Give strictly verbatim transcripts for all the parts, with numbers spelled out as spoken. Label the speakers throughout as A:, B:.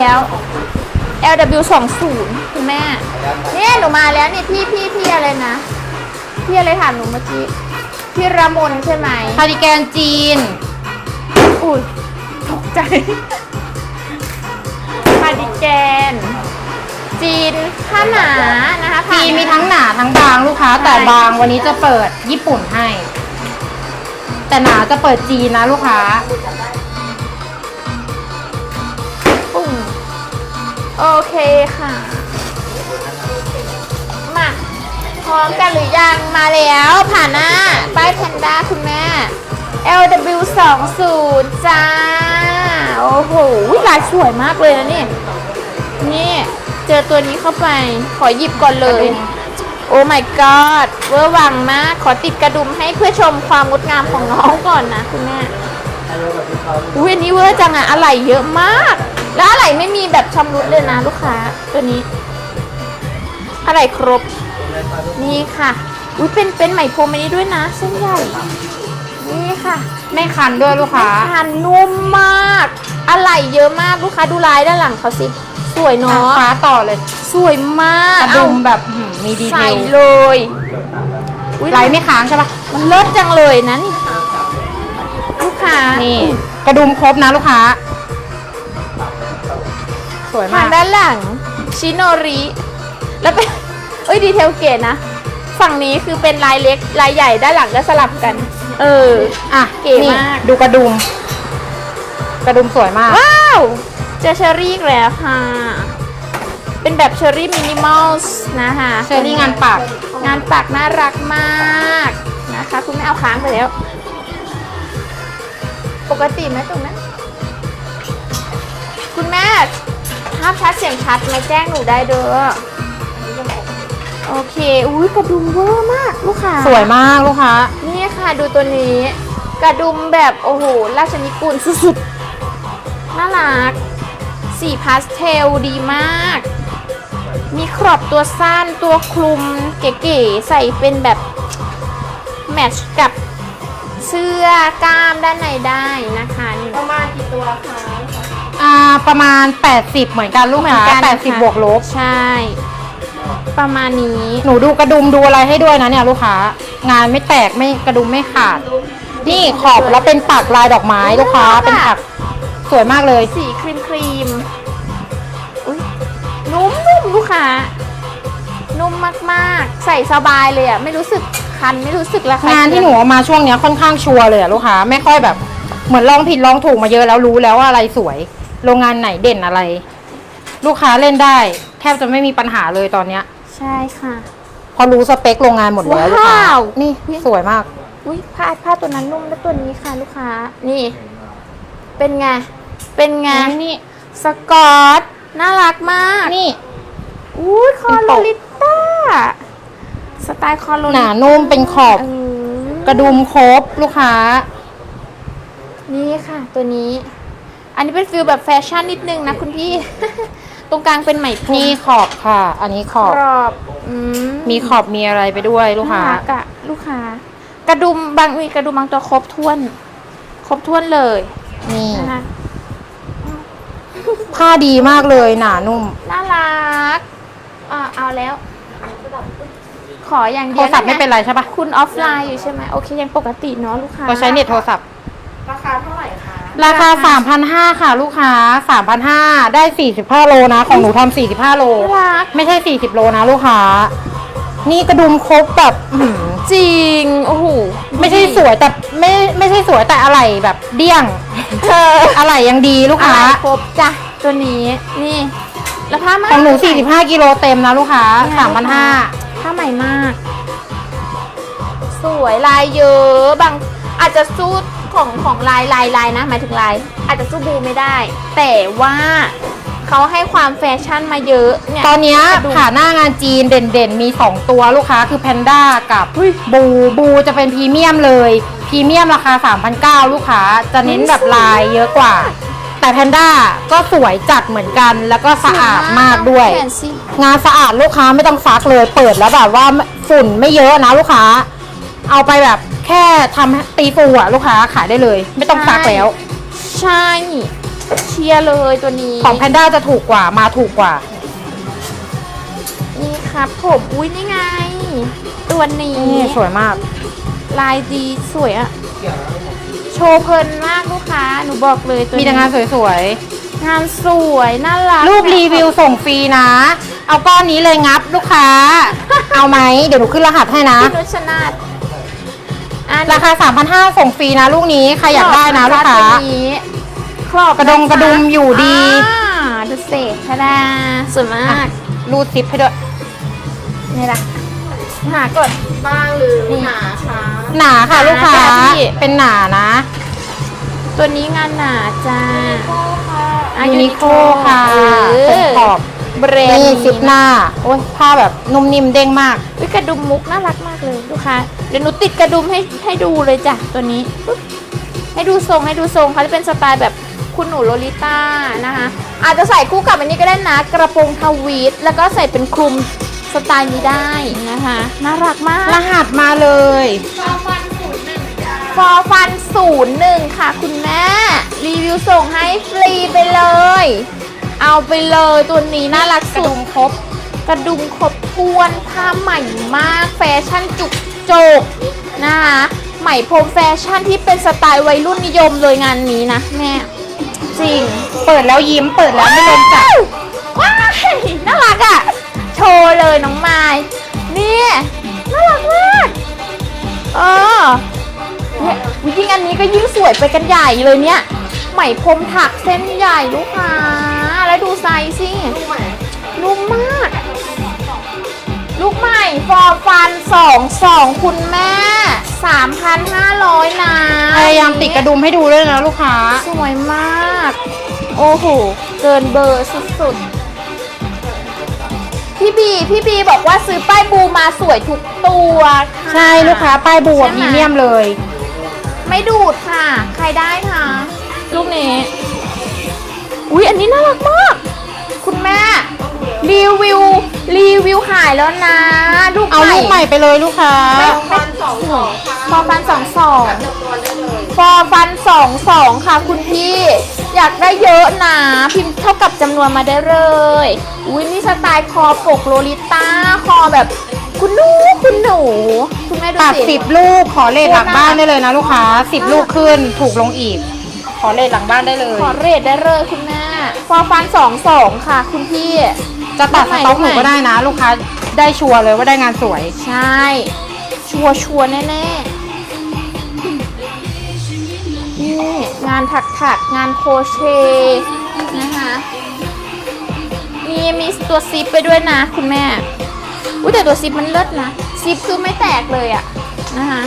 A: แล้ว แอล ดับเบิลยู สองสิบ คุณแม่เนี่ยหนูมาแล้วนี่พี่พี่พี่อะไรนะพี่อะไรถามหนูเมื่อกี้พี่ระมนใช่ไหม
B: คาร์ดิแกนจีน
A: อุ้ยตกใจคาร์ดิแกนจีนผ้าหนานะคะ
B: จีนมีทั้งหนาทั้งบางลูกค้าแต่บางวันนี้จะเปิดญี่ปุ่นให้แต่หนาจะเปิดจีนนะลูกค้า
A: ปุ่งโอเคค่ะมาพร้อมกันหรือยังมาแล้วผ่านหน้าป้ายแพนด้าคุณแม่ แอล ดับเบิลยู สองสิบ จ้าโอ้โหลายสวยมากเลยนะนี่นี่เจอตัวนี้เข้าไปขอหยิบก่อนเลยโอ้ my god เวอร์วังมากขอติดกระดุมให้เพื่อชมความงดงามของน้องก่อนนะคุณแม่อุ้ยอันนี้เวอร์จังอะอะไหล่เยอะมากแล้วอะไหล่ไม่มีแบบชำรุดเลยนะลูกค้าตัวนี้อะไหล่ครบนี่ค่ะอุ้ยเป็นเป็นไหมพรมอันนี้ด้วยนะเส้นใหญ่นี่ค่ะ
B: ไม่คันด้วยลูกค้า
A: คันนุ่มมากอะไหล่เยอะมากลูกค้าดูลายด้านหลังเขาสิสวยเนาะ
B: ฟ้าต่อเลย
A: สวยมาก
B: กระดุมแบบมีดีเทล
A: ใส่เลย
B: ลายไม่ค้างใช่ปะ
A: มันเลิศจังเลยนะนี่ลูกค้า
B: นี่กระดุมครบนะลูกค้าสวยมาก
A: ด้านหลังชิโนริแล้วเป็นเอ้ยดีเทลเก๋นะฝั่งนี้คือเป็นลายเล็กลายใหญ่ด้านหลังก็สลับกันเออ
B: อ่ะ
A: เก๋มาก
B: ดูกระดุมกระดุมสวยมาก
A: ว้าวเจอเชอรี่แล้วค่ะเป็นแบบเชอรี่มินิมอลนะคะ
B: เชอรี่งานปัก
A: งานปักน่ารักมากนะคะคุณแม่เอาค้างไปแล้วปกติไหมตรงนั้นคุณแม่ภาพชัดเสียงชัดมาแจ้งหนูได้เด้อโอเคอุ้ยกระดุมเวอร์มากลูกค้า
B: สวยมากลูกค้า
A: นี่ค่ะดูตัวนี้กระดุมแบบโอ้โหราชนิกูลสุดๆน่ารักสีพาสเทลดีมากมีครอบตัวสั้นตัวคลุมเก๋ๆใส่เป็นแบบแมทช์กับเสื้อกล้ามด้านในได้นะคะประมาณกี่ตัวคะ
B: อ่าประมาณแปดสิบเหมือนกันลูกค้าแปดสิบบวกลบ
A: ใช่ประมาณนี้
B: หนูดูกระดุมดูอะไรให้ด้วยนะเนี่ยลูกค้างานไม่แตกไม่กระดุมไม่ขาดนี่ขอบแล้วเป็นปักลายดอกไม้ลูกค้าเป็นปักสวยมากเลย
A: สีครีมครีมอุ้ยนุ่มนุ่มลูกค้านุ่มมากๆใส่สบายเลยอ่ะไม่รู้สึกคันไม่รู้สึกระคาย
B: งานที่หนูเอามาช่วงนี้ค่อนข้างชัวร์เลยอ่ะลูกค้าไม่ค่อยแบบเหมือนลองผิดลองถูกมาเยอะแล้วรู้แล้วว่าอะไรสวยโรงงานไหนเด่นอะไรลูกค้าเล่นได้แทบจะไม่มีปัญหาเลยตอนเนี้ย
A: ใช่ค่ะ
B: พอรู้สเปคโรงงานหมดแล้วลูกค้านี่สวยมาก
A: อุ้ยผ้าผ้าตัวนั้นนุ่มและตัวนี้ค่ะลูกค้านี่เป็นไงเป็นไง
B: นี่
A: สกอตน่ารักมาก
B: นี่
A: อุ้ยคอโลลิต้าสไตล์คอโลลิ
B: หนานุ่มเป็นขอบกระดุมครบลูกค้า
A: นี่ค่ะตัวนี้อันนี้เป็นฟิลแบบแฟชั่นนิดนึงนะคุณพี่ตรงกลางเป็นไหมพรม
B: นี่ขอบค่ะอันนี้ขอบ
A: ขอบ
B: มีขอบมีอะไรไปด้วยลูกค้าก
A: ะลูกค้ากระดุมบางมีกระดุมบางตัวครบถ้วนครบถ้วนเลย
B: นี่ผ้าดีมากเลยหนานุ่ม
A: น่ารักอ่าเอาแล้วขออย่างเดียว
B: โทรศัพท์ไม่เป็นไรใช่ปะ
A: คุณออฟไลน์อยู่ใช่ไหมโอเคยังปกติเนาะลูกค้า
B: เราใช้เน็ตโทรศัพท์
A: ราคาเท่าไหร่คะ
B: ราคา สามพันห้าร้อย ค่ะลูกค้า สามพันห้าร้อย ได้สี่สิบห้าโลนะของหนูทำสี่สิบห้าโลไม่ใช่สี่สิบโลนะลูกค้านี่กระดุมครบแบบ
A: จริงโอ้โห
B: ไม่ใช่สวยแต่ไม่ไม่ใช่สวยแต่อะไรแบบเดี้ยงอะไรยังดีลูกค้า
A: ครบจ้ะตัวนี้นี่แล้วผ้า
B: ของหนูสี่สิบห้ากิโลเต็มนะลูกค้า สามพันห้าร้อย
A: ผ้าใหม่มากสวยลายเยอะบางอาจจะสู้ของของลายลายลายนะหมายถึงลายอาจจะสู้บูไม่ได้แต่ว่าเขาให้ความแฟชั่นมาเยอะ
B: เนี่ยตอนนี้ผ่าหน้างานจีนเด่นๆมีสองตัวลูกค้าคือแพนด้ากับบูบูจะเป็นพรีเมียมเลยพรีเมียมราคา สามพันเก้าร้อย ลูกค้าจะเน้นแบบลายเยอะกว่าแต่แพนด้าก็สวยจัดเหมือนกันแล้วก็สะอาดมากด้วยงานสะอาดลูกค้าไม่ต้องซักเลยเปิดแล้วแบบว่าฝุ่นไม่เยอะนะลูกค้าเอาไปแบบแค่ทำตีฟูอะลูกค้าขายได้เลยไม่ต้องซักแล้ว
A: ใช่เชียร์เลยตัวนี้
B: ของแพนด้าจะถูกกว่ามาถูกกว่า
A: นี่ครับผมอุ้ยนี่ไง ตัวนี้
B: นี่สวยมาก
A: ลายดีสวยอะโชว์เพลินมากลูกค้าหนูบอกเลยตัว
B: มี
A: นี้
B: แต่งานสวย
A: งานสวยน่ารัก
B: ๆรูปรีวิวส่งฟรีนะ เอาก้อนนี้เลยงับลูกค้า เอาไหมเดี๋ยวหนูขึ้นรหัสให้นะ
A: พี่นุชนาธอัน
B: ราคา สามพันห้าร้อย ส่งฟรีนะลูกนี้ใครอยากได้นะลูกค้า
A: ตัวนี้ครอบ
B: กระดงกระดุมอยู่ดี
A: อ่าดูเศษทะดาสวยมาก
B: รูดซิปให้ด้วย
A: นี่ละหาก่อน
C: บ้างหรือหนาคะ
B: หนาค่ะลูกค้า
A: หนาจ้ะพี่
B: เป็นหนานะ
A: ตัวนี้งานหนาจ้าอ่ะ
B: ยูนิโคค่ะ
A: เอ
B: เป็น
A: อ
B: ขอบ
A: แบรนด์
B: นี่ซิปห
A: นะ
B: น้า โอ้ยผ้าแบบนุ่มนิ่มเด้งมาก
A: อุ๊ยกระดุมมุกน่ารักมากเลยลูกค้าเดี๋ยวหนูติดกระดุมให้ให้ดูเลยจ้ะตัวนี้ปึ๊บให้ดูทรงให้ดูทรงเขาจะเป็นสไตล์แบบคุณหนูโลลิต้านะคะอาจจะใส่คู่กับอันนี้ก็ได้นะกระโปรงทวีตแล้วก็ใส่เป็นคลุมสไตล์นี้ได้นะคะน่ารักมาก
B: รหัสมาเลย
A: ฟอร์ฟันศูนย์หนึ่งค่ะคุณแม่ รีวิวส่งให้ฟรีไปเลย เอาไปเลยตัวนี้น่ารัก
B: กระ
A: สุ
B: ดุ
A: ด
B: มครบ
A: กระดุมครบถ้วนผ้าใหม่มากแฟชั่นจุกโจกนะคะไหมพรมแฟชั่นที่เป็นสไตล์วัยรุ่นนิยมเลยงานนี้นะแม่จริง
B: เปิดแล้วยิ้ม เปิดแล้วไม่ลมจับ
A: ว้ายน่ารักอ่ะ โชว์เลยน้องไม้นี่น่ารักมากเออเนี่ยยิ่งอันนี้ก็ยิ่งสวยไปกันใหญ่เลยเนี่ยไหมพรมถักเส้นใหญ่ลูกค้าแล้วดูไซส์สินุ่มมาก ลูกใหม่ฟอร์ฟันสองสองคุณแม่ สามพันห้าร้อย นะ
B: พยายามติดกระดุมให้ดูด้วยนะลูกค้า
A: สวยมาก โอ้โห เกินเบอร์สุดๆ พี่บี พี่บีบอกว่าซื้อป้ายบูมาสวยทุกตัวค่ะ
B: ใช่ลูกค้าป้ายบวก
A: ใช่ไห
B: พรีเมียมเลย
A: ไม่ดูดค่ะ ใครได้คะลูกนี้ อุ๊ย อันนี้น่ารักมาก คุณแม่ รีวิว รีวิวขายแล้วนะ ลูก
B: เอาลูกใหม่ไปเลยลูกค้า
A: ไม่
C: ฟันสองสองค่ะ
A: ฟอร์ฟันสองสอง
C: จับตัวได้เลย
A: ฟอร์ฟันสองสองค่ะคุณพี่ อยากได้เยอะนะพิมพ์เท่ากับจำนวนมาได้เลย อุ้ยนี่สไตล์คอปกโลลิต้า คอแบบคุณหนูคุณหนู คุณแม่ดู
B: ตัด
A: สิ
B: สิบลูกขอเลทหลังบ้านได้เลยนะลูกค้าสิบ
A: น่ารัก
B: ลูกขึ้นถูกลงอีก ขอเลทหลังบ้านได้เลย
A: ขอเรทได้เลยคุณแม่ ฟอร์ฟันสองสองค่ะ คุณพี่
B: จะตัดสต็อกหนูก็ได้นะ ลูกค้าได้ชัวร์เลยว่าได้งานสวย
A: ใช่ ชัวร์ชัวร์แน่ๆ นี่งานถักถักๆงานโครเชต์นะคะมีมีตัวซิปไปด้วยนะคุณแม่ อุ้ยแต่ตัวซิปมันเลิศนะ ซิปคือไม่แตกเลยอะนะคะ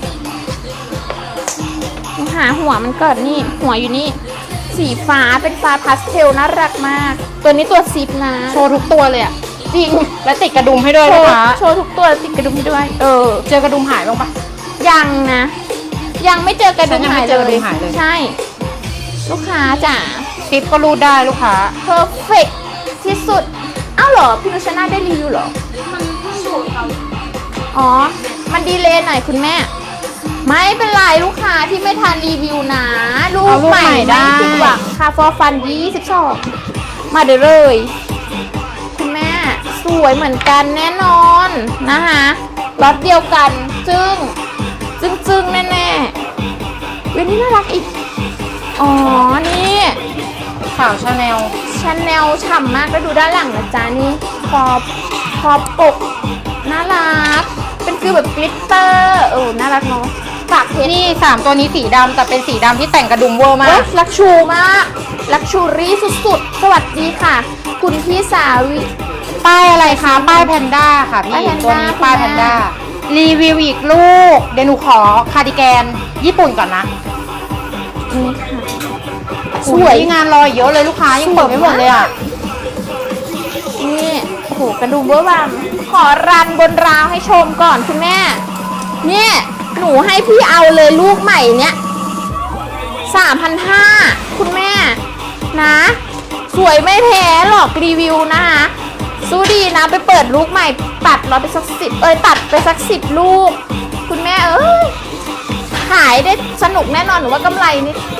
A: หาหัวมันก่อนนี่ หัวอยู่นี่ สีฟ้าเป็นฟ้าพาสเทลน่ารักมาก ตัวนี้ตัวซิปนะ
B: โชว์ทุกตัวเลยอะ
A: จริง
B: และติดกระดุมให้ด้วย
A: โช
B: ลูก
A: ว์
B: ค้า
A: โชว์ทุกตัวติดกระดุมให้ด้วย เออ
B: เจอกระดุมหายบ้างปะ
A: ยังนะ ยังไม่เจอกระดุม
B: ฉันยัง
A: หา
B: ไม่
A: ย
B: เจอกระ
A: เล
B: ดุ
A: ย
B: มหายเลย
A: ใช่ ลูกค้าจ๋า
B: ซิปก็รูดได้ลูกค้า
A: เพอร์เฟกที่สุด อ้าวเหรอ พี่นุชนาได้รีวิวเหรอ
C: มันเพิ่งดูดเขา
A: อ๋อ มันดีเลย์หน่อยคุณแม่ ไม่เป็นไรลูกค้าที่ไม่ทันรีวิวนะ ลูก
B: เอาลูก
A: ใหม่
B: ใหม่ได้
A: ไม่ผิดหวังค่ะฟอร์ฟันยี่สิบสองมาเดี๋ยวเลย คุณแม่ สวยเหมือนกันแน่นอนนะคะล็อตเดียวกัน จึ้ง จึ้งจึ้งแน่แน่ๆเว้ยนี่น่ารักอีก อ๋อ นี่
B: ข่าวชาแนล
A: ชาแนลฉ่ำมากแล้วดูด้านหลังนะจ๊ะนี่คอคอปกน่ารัก เป็นฟิลแบบกลิตเตอร์เออน่ารักเนาะฝากเพจ
B: นี่สามตัวนี้สีดำแต่เป็นสีดำที่แต่งกระดุมเวอร์มา
A: เว้ย
B: ก
A: ลักชูมาก ลักชูรี่สุดๆ สวัสดีค่ะ คุณพี่สาวิ
B: ป้ายอะไรคะ ป้ายแพนด้าค่ะ
A: ป้าย
B: พี่
A: แพนด้า
B: ตัวนี้ป้าย
A: คุ
B: แพ
A: ณ
B: น
A: แม่
B: ด้า รีวิวอีกลูก เดี๋ยวหนูขอคาร์ดิแกนญี่ปุ่นก่อนนะ
A: นี่ค่ะ
B: สวยงานรอยเยอะเลยลูกค้ายังเปิดไม่หมดเลยอ่ะ
A: นี่โอ้โหกระดุมเวอร์วังขอรันบนราวให้ชมก่อนคุณแม่ เนี่ยหนูให้พี่เอาเลยลูกใหม่เนี้ยสามพันห้าคุณแม่นะ สวยไม่แพ้หรอกรีวิวนะคะสู้ดีนะไปเปิดลูกใหม่ตัดเราไปสักสิบเอ้ยตัดไปสักสิบลูก คุณแม่เอ้ยขายได้สนุกแน่นอนหนูว่ากำไรนี่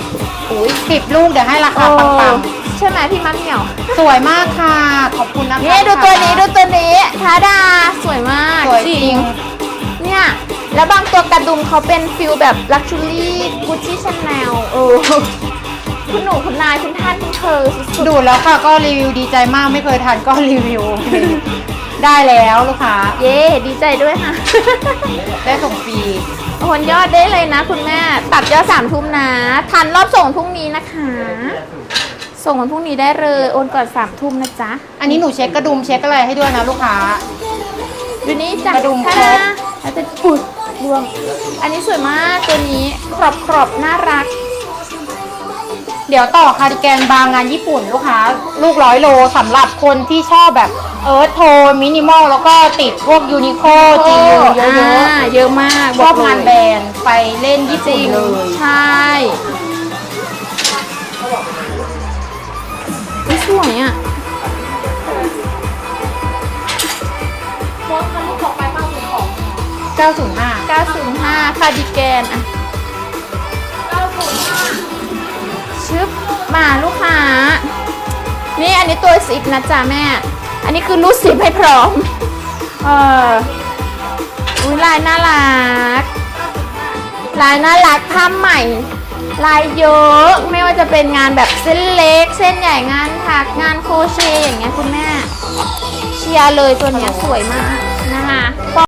A: อุ้ย
B: สิบลูกเดี๋ยวให้ราคาปัง
A: ใช่ไหมพี่มะเหมี่ยว
B: ๆสวยมากค่ะ ขอบคุณนะคะ
A: นี่ดูตัวนี้ดูตัวนี้ทาดาสวยมาก
B: สวยจริง
A: เนี่ยแล้วบางตัวกระดุมเขาเป็นฟิลแบบลักชัวรี่กุชชี่ชาแนลเออคุณหนูคุณนายคุณท่านคุณเธอสุด
B: ดูแล้วค่ะก็รีวิวดีใจมากไม่เคยทานก็รีวิว ได้แล้วลูกค้า
A: ๆเย้ดีใจด้วยค่ะ
B: ได้ส่งฟรี
A: โอนยอดได้เลยนะคุณแม่ตัดยอดสามทุ่มนะทันรอบส่งพรุ่งนี้นะคะ ส่งวันพรุ่งนี้ได้เลยโอนก่อนสามทุ่มนะจ๊ะ
B: อันนี้หนูเช็คกระดุมเช็คอะไรให้ด้วยนะลูกค้า
A: ดูนี่จ้ะ
B: กระดุม
A: ท่า
B: ครบ
A: แล้วจะปุดรวม อันนี้สวยมากตัวนี้กรอบกรอบๆน่ารัก
B: เดี๋ยวต่อคาร์ดิแกนบางงานญี่ปุ่นลูกค้า ลูกร้อยโลสำหรับคนที่ชอบแบบเอิร์ธโทนมินิมอลแล้วก็ติดพวกยูนิโคจียูเยอะ
A: อ่าเยอะมาก
B: ๆชอบงานแบรนด์ไปเล่นญี่
A: จ
B: ปุ่
A: ริ
B: น
A: ง
B: เลย
A: ใช่นี่สวยอ่ะ
C: โพสต์คันลูกของไปเก้าศูนย์สอง
B: เก้าศูนย์ห้า
A: เก้าศูนย์ห้าคาร์ดิแกนอ่ะ
C: เก้าศูนย์ห้า
A: ชึบมาลูกค้า นี่อันนี้ตัวสิบนะจ๊ะแม่ อันนี้คือรูดสิบให้พร้อม เอออุ้ยลายน่ารัก ลายน่ารักผ้าใหม่ ลายเยอะ ไม่ว่าจะเป็นงานแบบเส้นเล็ก เส้นใหญ่งานถักงานโครเชต์อย่างเงี้ยคุณแม่ เชียร์เลยตัวเนี้ยสวยมากนะคะ